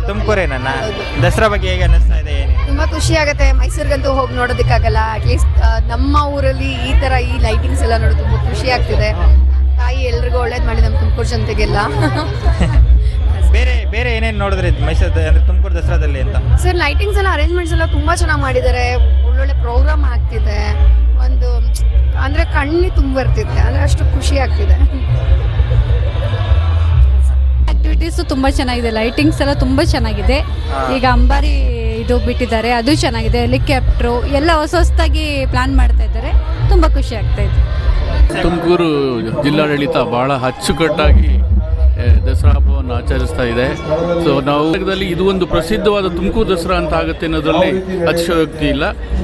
ತುಮಕೂರೇನಾ? ದಸರಾ ಬಗ್ಗೆ ಹೇಗೆ ಅನ್ನಿಸ್ತಾ ಇದೆ? ತುಂಬಾ ಖುಷಿ ಆಗುತ್ತೆ. ಮೈಸೂರಿಗಂತೂ ಹೋಗಿ ನೋಡೋದಕ್ಕಾಗಲ್ಲ. ಅಟ್ಲೀಸ್ಟ್ ನಮ್ಮ ಊರಲ್ಲಿ ಈ ತರ ಈ ಲೈಟಿಂಗ್ಸ್ ಎಲ್ಲ ನೋಡಿ ತುಂಬಾ ಖುಷಿ ಆಗ್ತಿದೆ. ತಾಯಿ ಎಲ್ರಿಗೂ ಒಳ್ಳೇದು ಮಾಡಿ ನಮ್ಮ ತುಮಕೂರು ಜನತೆಗೆಲ್ಲ. ಬೇರೆ ಬೇರೆ ಏನೇನು ನೋಡಿದ್ರಿ ಮೈಸೂರು ಅಂದ್ರೆ ತುಮಕೂರು ದಸರಾದಲ್ಲಿ ಅಂತ? ಸರ್ ಲೈಟಿಂಗ್ಸ್ ಎಲ್ಲ ಅರೇಂಜ್ಮೆಂಟ್ಸ್ ಎಲ್ಲ ತುಂಬಾ ಚೆನ್ನಾಗಿ ಮಾಡಿದ್ದಾರೆ. ಒಳ್ಳೊಳ್ಳೆ ಪ್ರೋಗ್ರಾಮ್ ಆಗ್ತಿದೆ. ಒಂದು ಅಂದ್ರೆ ಕಣ್ಣಿ ತುಂಬ ಬರ್ತಿದೆ, ಅಂದ್ರೆ ಅಷ್ಟು ಖುಷಿ ಆಗ್ತಿದೆ. ಆಕ್ಟಿವಿಟೀಸು ತುಂಬ ಚೆನ್ನಾಗಿದೆ, ಲೈಟಿಂಗ್ಸ್ ಎಲ್ಲ ತುಂಬ ಚೆನ್ನಾಗಿದೆ. ಈಗ ಅಂಬಾರಿ ಇದು ಬಿಟ್ಟಿದ್ದಾರೆ, ಅದು ಚೆನ್ನಾಗಿದೆ. ಹೆಲಿಕಾಪ್ಟ್ರು ಎಲ್ಲ ಹೊಸದಾಗಿ ಪ್ಲಾನ್ ಮಾಡ್ತಾ ಇದ್ದಾರೆ, ತುಂಬ ಖುಷಿ ಆಗ್ತಾ ಇದೆ. ತುಮಕೂರು ಜಿಲ್ಲಾಡಳಿತ ಬಹಳ ಅಚ್ಚುಕಟ್ಟಾಗಿ ದಸರಾ ಹಬ್ಬವನ್ನು ಆಚರಿಸ್ತಾ ಇದೆ. ಸೊ ನಾವು ಇದು ಒಂದು ಪ್ರಸಿದ್ಧವಾದ ತುಮಕೂರು ದಸರಾ ಅಂತ ಆಗುತ್ತೆ ಅನ್ನೋದ್ರಲ್ಲಿ ಅತಿಶಯೋಕ್ತಿ ಇಲ್ಲ.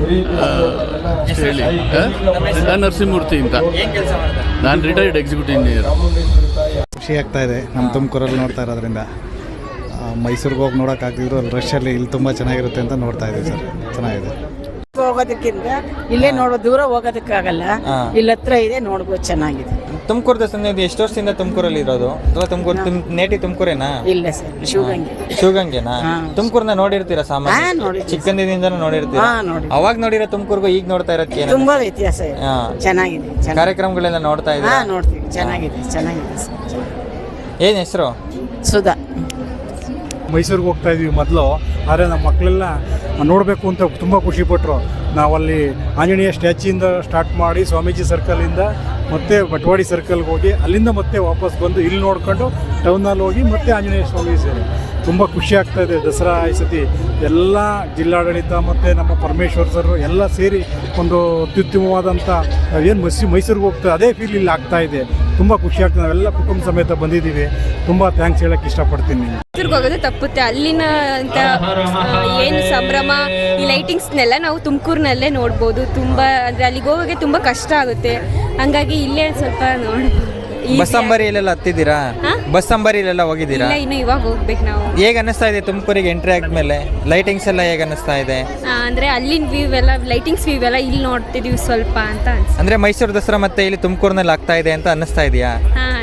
ಹೇಳಿ, ನಾನು ನರಸಿಂಹಮೂರ್ತಿ ಅಂತ, ನಾನು ರಿಟೈರ್ಡ್ ಎಕ್ಸಿಕ್ಯೂಟಿವ್ ಇಂಜಿನಿಯರ್. ಖುಷಿ ಆಗ್ತಾ ಇದೆ ನಮ್ಮ ತುಮಕೂರಲ್ಲಿ ನೋಡ್ತಾ ಇರೋದ್ರಿಂದ. ಮೈಸೂರಿಗೆ ಹೋಗಿ ನೋಡೋಕ್ಕಾಗ್ತಿದ್ರು ಅಲ್ಲಿ ರಶಲ್ಲಿ ಇಲ್ಲಿ ತುಂಬ ಚೆನ್ನಾಗಿರುತ್ತೆ ಅಂತ ನೋಡ್ತಾ ಇದ್ದೀವಿ ಸರ್. ಚೆನ್ನಾಗಿದೆ. ಹೋಗೋದಕ್ಕಿಂತ ಇಲ್ಲೇ ನೋಡೋ, ದೂರ ಹೋಗೋದಕ್ಕಾಗಲ್ಲ, ಇಲ್ಲಿ ಹತ್ರ ಇದೆ, ನೋಡ್ಬೋದು, ಚೆನ್ನಾಗಿದೆ. ತುಮಕೂರು ದಸರಾ ನೀವು ಎಷ್ಟು ವರ್ಷದಿಂದ ತುಮಕೂರಲ್ಲಿ ಇರೋದು? ಅಥವಾ ತುಮಕೂರು ನೇಟಿ ತುಮಕೂರೇನಾ? ಇಲ್ಲ ಸರ್, ಶಿವಗಂಗೆನಾ? ತುಮಕೂರ್ನ ನೋಡಿರ್ತೀರಾ ಸಾಮಾನ್ಯ? ಚಿಕ್ಕಂದಿನಿಂದನೂ ನೋಡಿರ್ತೀರಾ? ಅವಾಗ ನೋಡಿರೋ ತುಮಕೂರ್ಗೂ ಈಗ ನೋಡ್ತಾ ಇರೋದಕ್ಕೆ ತುಂಬಾ ವ್ಯತ್ಯಾಸ ಇದೆ. ಚೆನ್ನಾಗಿದೆ. ಕಾರ್ಯಕ್ರಮಗಳೆಲ್ಲ ನೋಡ್ತಾ ಇದ್ದೀರಾ? ನೋಡ್ತೀವಿ. ಚೆನ್ನಾಗಿದೆ ಸರ್. ಏನ್ ಹೆಸರು? ಸುಧಾ. ಮೈಸೂರಿಗೆ ಹೋಗ್ತಾ ಇದ್ವಿ ಮೊದಲು, ಆದರೆ ನಮ್ಮ ಮಕ್ಕಳೆಲ್ಲ ನೋಡಬೇಕು ಅಂತ ತುಂಬ ಖುಷಿಪಟ್ಟರು. ನಾವಲ್ಲಿ ಆಂಜನೇಯ ಸ್ಟ್ಯಾಚ್ಯೂಯಿಂದ ಸ್ಟಾರ್ಟ್ ಮಾಡಿ ಸ್ವಾಮೀಜಿ ಸರ್ಕಲಿಂದ ಮತ್ತೆ ಬಟವಾಡಿ ಸರ್ಕಲ್ಗೆ ಹೋಗಿ ಅಲ್ಲಿಂದ ಮತ್ತೆ ವಾಪಸ್ ಬಂದು ಇಲ್ಲಿ ನೋಡ್ಕೊಂಡು ಟೌನಲ್ಲಿ ಹೋಗಿ ಮತ್ತೆ ಆಂಜನೇಯ ಸ್ವಾಮಿ ಸೇರಿ ತುಂಬ ಖುಷಿ ಆಗ್ತಾಯಿದೆ. ದಸರಾ ಈ ಸತಿ ಎಲ್ಲ ಜಿಲ್ಲಾಡಳಿತ ಮತ್ತು ನಮ್ಮ ಪರಮೇಶ್ವರ್ ಸರ್ ಎಲ್ಲ ಸೇರಿ ಒಂದು ಅತ್ಯುತ್ತಮವಾದಂಥ ಏನು ಮೈಸೂರಿಗೆ ಹೋಗ್ತದೆ ಅದೇ ಫೀಲ್ ಇಲ್ಲಿ ಆಗ್ತಾಯಿದೆ. ತುಂಬ ಖುಷಿ ಆಗ್ತದೆ. ನಾವೆಲ್ಲ ಕುಟುಂಬ ಸಮೇತ ಬಂದಿದ್ದೀವಿ. ತುಂಬ ಥ್ಯಾಂಕ್ಸ್ ಹೇಳೋಕ್ಕೆ ಇಷ್ಟಪಡ್ತೀನಿ. ಮೈಸೂರಿಗೆ ಹೋಗೋದು ತಪ್ಪುತ್ತೆ. ಅಲ್ಲಿನ ಅಂತ ಏನು ಸಂಭ್ರಮ, ಈ ಲೈಟಿಂಗ್ಸ್ನೆಲ್ಲ ನಾವು ತುಮಕೂರಿನಲ್ಲೇ ನೋಡ್ಬೋದು. ತುಂಬ ಅಂದರೆ ಅಲ್ಲಿಗೆ ಹೋಗೋಕ್ಕೆ ತುಂಬ ಕಷ್ಟ ಆಗುತ್ತೆ. ಹಂಗಾಗಿ ಇಲ್ಲೇ ಸ್ವಲ್ಪ ನೋಡ್ಬೋದು. ಬಸ್ ಅಂಬಾರಿಯಲ್ಲೆಲ್ಲ ಹತ್ತಿದ್ದೀರಾ? ಬಸ್ ಅಂಬಾರಿಯಲ್ಲೆಲ್ಲ ಹೋಗಿದ್ದೀರಾ? ಇನ್ನು ಇವಾಗ ಹೋಗ್ಬೇಕು ನಾವು. ಹೇಗೆ ಅನ್ನಿಸ್ತಾ ಇದೆ ತುಮಕೂರಿಗೆ ಎಂಟ್ರಿ ಆದ್ಮೇಲೆ? ಲೈಟಿಂಗ್ಸ್ ಎಲ್ಲ ಹೇಗೆ ಅನ್ನಿಸ್ತಾ ಇದೆ? ಅಂದರೆ ಅಲ್ಲಿನ ವ್ಯೂ ಎಲ್ಲ, ಲೈಟಿಂಗ್ಸ್ ವ್ಯೂ ಎಲ್ಲ ಇಲ್ಲಿ ನೋಡ್ತಿದೀವಿ ಸ್ವಲ್ಪ ಅಂತ ಅನ್ಸುತ್ತೆ. ಅಂದರೆ ಮೈಸೂರು ದಸರಾ ಮತ್ತೆ ಇಲ್ಲಿ ತುಮಕೂರಿನಲ್ಲಿ ಆಗ್ತಾ ಇದೆ ಅಂತ ಅನ್ನಿಸ್ತಾ ಇದೆಯಾ?